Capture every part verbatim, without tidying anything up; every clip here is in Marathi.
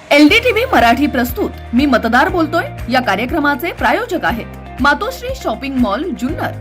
एलडीटीव्ही मराठी प्रस्तुत मी मतदार बोलतोय या कार्यक्रमाचे प्रायोजक आहेत मातोश्री शॉपिंग मॉल जुन्नर।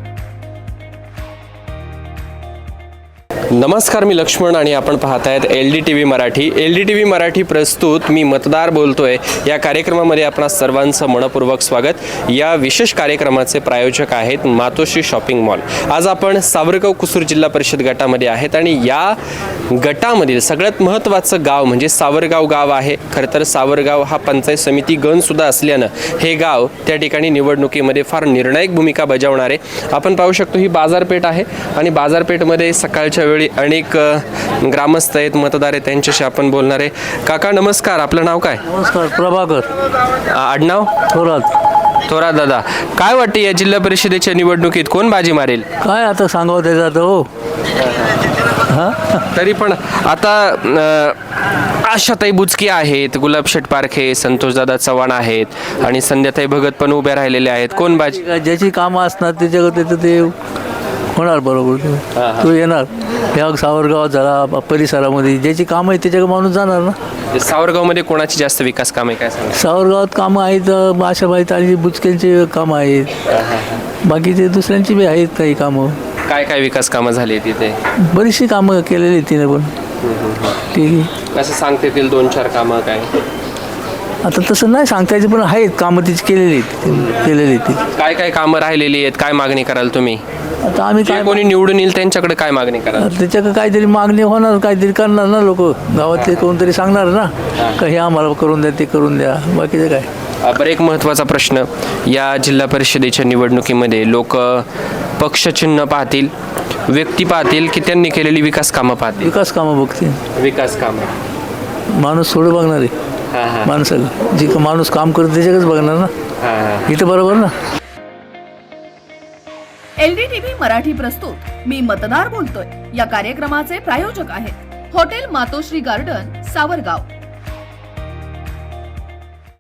नमस्कार, मी लक्ष्मण आणि आपण पाहत आहेत L D T V Marathi. L D T V Marathi प्रस्तुत मी मतदार बोलतोय या कार्यक्रमामध्ये आपणा सर्वांचं मनपूर्वक स्वागत। या विशेष कार्यक्रमाचे प्रायोजक आहेत मातोश्री शॉपिंग मॉल। आज आपण सावरगाव कुसूर जिल्हा परिषद गटामध्ये आहेत आणि या गटामधील सगळ्यात महत्त्वाचं गाव म्हणजे सावरगाव गाव आहे। खरं तर सावरगाव हा पंचायत समिती गण सुद्धा असल्यानं हे गाव त्या ठिकाणी निवडणुकीमध्ये फार निर्णायक भूमिका बजावणार आहे। आपण पाहू शकतो ही बाजारपेठ आहे आणि बाजारपेठमध्ये सकाळच्या वेळी अनेक ग्रामस्थ आहेत, मतदार आहेत, त्यांच्याशी आपण बोलणार आहे। काका नमस्कार, आपलं नाव काय? नमस्कार, प्रभाकर। आडनाव? थोरात। थोरात दादा, काय वाटते या जिल्हा परिषदेच्या निवडणुकीत कोण बाजी मारेल? काय आता सांगावं त्याचं हो। हां, तरी पण आता आशाताई बुचकी आहेत, गुलाबशेठ पारखे, संतोषदादा चव्हाण आहेत आणि संध्याताई भगत पण उभ्या राहिलेले आहेत। कोण बाजी? ज्याची कामं असणार त्याच्या त्याचं ते होणार बरोबर, तो येणार। ह्या सावरगावात झाला परिसरामध्ये ज्याची कामं आहेत त्याच्याकडे माणूस जाणार ना। सावरगावमध्ये कोणाची जास्त विकास काम आहे काय सांगा? सावरगावात कामं आहेत, आशाबाई आणि बुचकेंची कामं आहेत, बाकीचे दुसऱ्यांची बी आहेत काही कामं। काय काय विकास कामं झाली तिथे? बरीचशी कामं केलेली तिने पण। ठीक आहे, कसं सांगता येतील दोन चार कामं काय? आता तसं नाही सांगता यायचं, पण आहेत कामं तिची केलेली आहेत केलेली ती। काय काय कामं राहिलेली आहेत, काय मागणी कराल तुम्ही? आता आम्ही जे काय कोणी निवडून येईल त्यांच्याकडे काय मागणी कराल? त्याच्याकडे काहीतरी मागणी होणार, काहीतरी करणार ना लोक गावातले, कोणतरी सांगणार ना का हे आम्हाला करून द्या, ते करून द्या, बाकीचं काय। बरं, एक महत्त्वाचा प्रश्न, या जिल्हा परिषदेच्या निवडणुकीमध्ये लोक पक्षचिन्ह पाहतील, व्यक्ती पाहतील की त्यांनी केलेली विकास कामं पाहतील? विकास कामं बघते, विकास कामं। माणूस थोडं बघणार आहे हां हां माणसाला, जी का माणूस काम करतो त्याच्याकडेच बघणार ना, हां हां इथं बरोबर ना। एलडीटीव्ही मराठी प्रस्तुत मी मतदार बोलतोय या कार्यक्रमाचे प्रायोजक आहेत हॉटेल मातोश्री गार्डन सावरगाव।